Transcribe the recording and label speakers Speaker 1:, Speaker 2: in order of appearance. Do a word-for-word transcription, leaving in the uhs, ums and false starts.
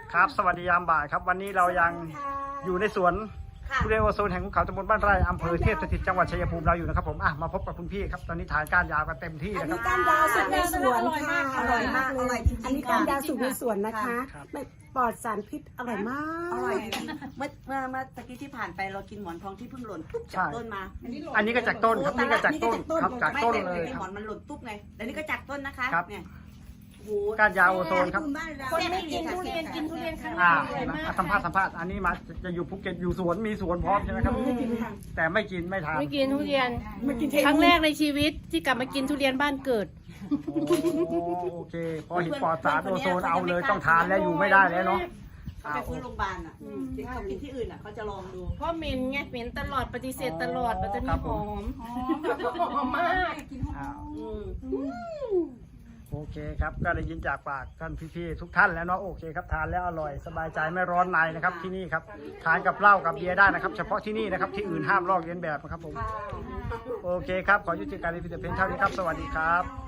Speaker 1: ครับสวัสดียามบ่ายครับวันนี้เรายังอยู่ในสวนทุเรียนโอโซนแห่งภูเขาตำบลบ้านไร่อำเภอเทพสถิตจังหวัดชัยภูมิเราอยู่นะครับผมอ่ะมาพบกับคุณพี่ครับตอนนี้ทานก้านยาวกันเต็มที่
Speaker 2: อัน
Speaker 1: นะค
Speaker 2: นี้
Speaker 1: รับ
Speaker 2: ก้านยาวสุดในสวนค่ะอร่อยมากเลยอันนี้ก้านยาวสุดในสวนนะคะไม่ปลอดสารพิษอร่อยมาก
Speaker 3: อร่อยจริงๆเมื่อเมื่อเมื่อตะกี้ที่ผ่านไปเรากินหมอนทองที่เพิ่งหล่นปุ๊บจากต้นมา
Speaker 1: อันนี้ก็จากต้นครับนี่ก็จากต้นครับจากต้นเลย
Speaker 3: ไม่
Speaker 1: ค
Speaker 3: หม
Speaker 1: รั
Speaker 3: อบ นมันหล่นปุ๊บไงแต่นี่ก็จากต้นนะคะ
Speaker 1: ครับ
Speaker 3: เนี่ยโอ้โห
Speaker 1: ก้านยาวโอโซนครับ
Speaker 2: คนไม่กินทุเรียนกินทุเรียนครั้งแร
Speaker 1: อ่าก
Speaker 2: อร่อยมาก
Speaker 1: สัมภาษณ์สัมภาษณ์อันนี้มาจะอยู่ภูเก็ตอยู่สวนมีสวนพร้อมใช่ไหมครับแต่ไม่กินไม่ทาน
Speaker 4: ไม่กินทุเรียน
Speaker 2: ไม่กิน
Speaker 4: ครั้งแรกในชีวิตที่กลับมากินทุเรียนบ้านเกิด
Speaker 1: โอเคพอเห็นปลอดสารโอโซนเอาเลยต้องทานแล้วอยู่ไม่ได้แล้วเนาะ
Speaker 3: เขาไปฟื้นโรงพยาบาลอ่ะที่เขากินที่อื่นอ่ะเขาจะลองดู
Speaker 4: เพราะเหม็นไงเหม็นตลอดปฏิเสธตลอดมันจะมีหอมหอมมาก
Speaker 1: อ้าว
Speaker 3: อืม
Speaker 1: โอเคครับก็ได้ยินจากปากท่านพี่ๆทุกท่านแล้วเนาะโอเคครับทานแล้วอร่อยสบายใจไม่ร้อนในนะครับที่นี่ครับทานกับเหล้ากับเบียร์ได้นะครับ เฉพาะที่นี่นะครับที่อื่นห้ามลอกเลียนแบบนะครับผมโอเคครับขอยุติการรีวิวแต่เพียงเท่านี้ครับสวัสดีครับ